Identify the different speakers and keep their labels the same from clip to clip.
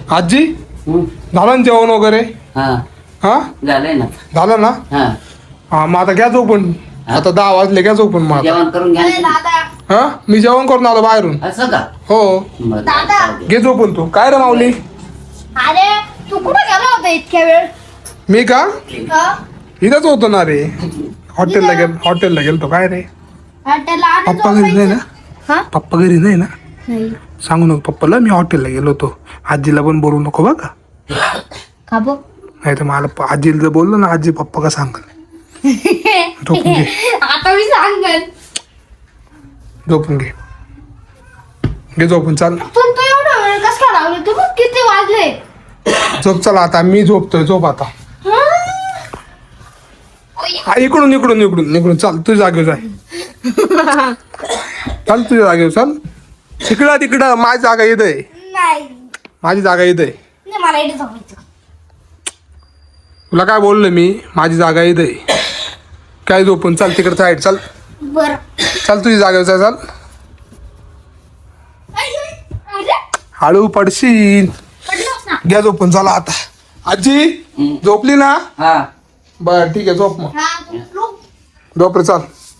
Speaker 1: आजी झालं ना जेवण वगैरे?
Speaker 2: हा
Speaker 1: हा
Speaker 2: झालंय ना.
Speaker 1: झालं ना?
Speaker 2: हा
Speaker 1: हा मग आता घ्या झोपून. आता 10 वाजले, घ्या झोपून मग आता.
Speaker 2: जेवण करून घ्या ना.
Speaker 3: दादा
Speaker 1: हा मी जेवण करून आलो बाहेरून.
Speaker 2: असं का?
Speaker 1: हो
Speaker 2: बरं,
Speaker 3: दादा.
Speaker 2: जाऊ दे.
Speaker 1: घे झोपून तू. काय रे माऊली?
Speaker 3: अरे तू कुठे गेला होता इतक्या वेळ?
Speaker 1: मी का
Speaker 3: हा?
Speaker 1: इथंच होतो ना रे. हॉटेलला गेलतो. काय रे
Speaker 3: हॉटेलला आलं
Speaker 1: पप्पा घरी नाही ना?
Speaker 3: हा?
Speaker 1: पप्पा घरी नाही ना?
Speaker 3: नाही.
Speaker 1: सांगू नको पप्पाला मी हॉटेलला गेलो होतो. आजीला पण बोलू नको बघा.
Speaker 3: का बघ?
Speaker 1: नाही तर मला आजीला जर बोललो ना आजी पप्पा का सांग. झोपून घे.
Speaker 3: आता मी सांगेन.
Speaker 1: झोपून घे. घे झोपून चाल.
Speaker 3: पण तू एवढा वेळ कस काय लावले? तू बघ किती वाजले.
Speaker 1: झोप चला आता. मी झोपतोय. झोप आता.
Speaker 3: हा?
Speaker 1: हा, इकडून चाल. तुझ्या जागेवर जाय. चाल तुझ्या जागेवर चाल. तिकडं माझी जागा येत आहे.
Speaker 3: नाही.
Speaker 1: माझी जागा येत आहे.
Speaker 3: नाही मला इथे झोपायचं.
Speaker 1: तुला काय बोललो मी? माझी जागा येत आहे. काय झोपून चाल तिकडे साईड चाल.
Speaker 3: बरं.
Speaker 1: चाल तुझी जागेवर जाय चाल.
Speaker 3: अरे
Speaker 1: हळू पडशील.
Speaker 3: पडलोस ना.
Speaker 1: घ्या झोपून चला आता. आजी झोपली ना?
Speaker 2: हा
Speaker 1: बर ठीक आहे झोप मग.
Speaker 3: हा तू झोप.
Speaker 1: झोप रे चाल.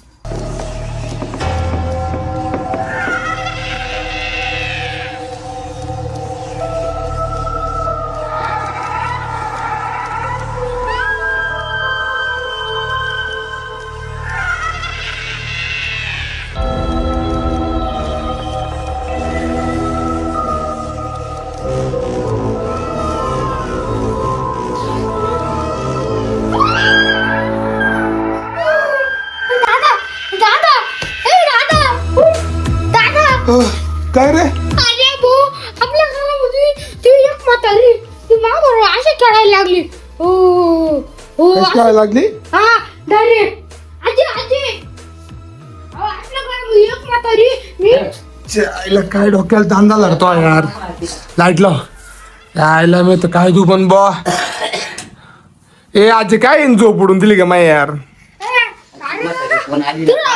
Speaker 3: दादा दादा ए दादा दादा
Speaker 1: काय रे?
Speaker 3: अरे भो आपल्या घरामध्ये ती एक म्हातारी ती मागवर अशी खेळायला लागली. हो हो
Speaker 1: कशी काय लागली?
Speaker 3: हा डायरेक्ट आजी आजी अहो, आपल्या घरामध्ये एक म्हातारी मी
Speaker 1: आईला काय डोक्याला तांदा लागतो यार. लाईट लाव. आईला मी तर काय तू पण बा. ए आजी काय झोप उडून दिली का माय यार?
Speaker 2: कोण आली ना?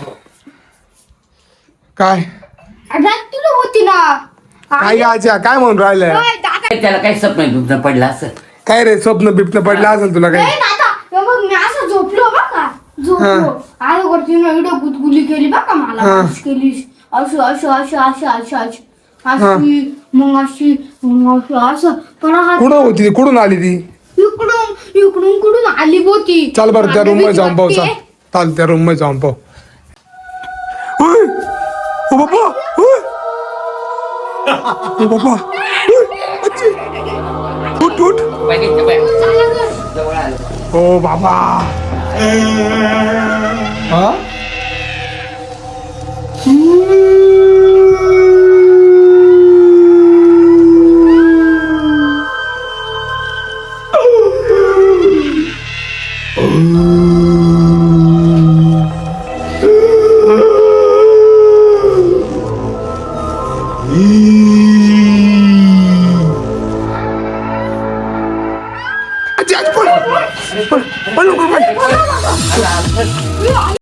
Speaker 1: काय
Speaker 3: रात तुला होती ना.
Speaker 1: काय आजी काय म्हणून राहिलंय?
Speaker 3: ओय, दादा
Speaker 2: त्याला काही स्वप्न बिप्न पडलं असं.
Speaker 1: काय रे स्वप्न बिप्न पडलं असेल तुला
Speaker 3: ए,
Speaker 1: काय?
Speaker 3: दादा हे बघ मी असं झोपलो बघा झोपलो आणि वरती ना एवढं गुदगुली केली बघा मला
Speaker 1: हा.
Speaker 3: अशी केली अशी मग असं परत
Speaker 1: कुठं होती ती? कुठून आली ती?
Speaker 3: इकडून कुठून आली होती.
Speaker 1: चाल बरं त्या
Speaker 3: मला
Speaker 1: रूम मध्ये
Speaker 3: भीती
Speaker 1: जाऊन पाहू.
Speaker 3: वाटते.
Speaker 1: चाल त्या रूम मध्ये जाऊन पाहू. ओय! ओ बाबा ओय! ओ बाबा ओय! आजी! उठ उठ.
Speaker 2: बघितलं बाय.
Speaker 3: चला गं.
Speaker 2: जवळ आलं.
Speaker 1: ओ बाबा हा आजी आजी पळ पळ पळ लवकर पळ.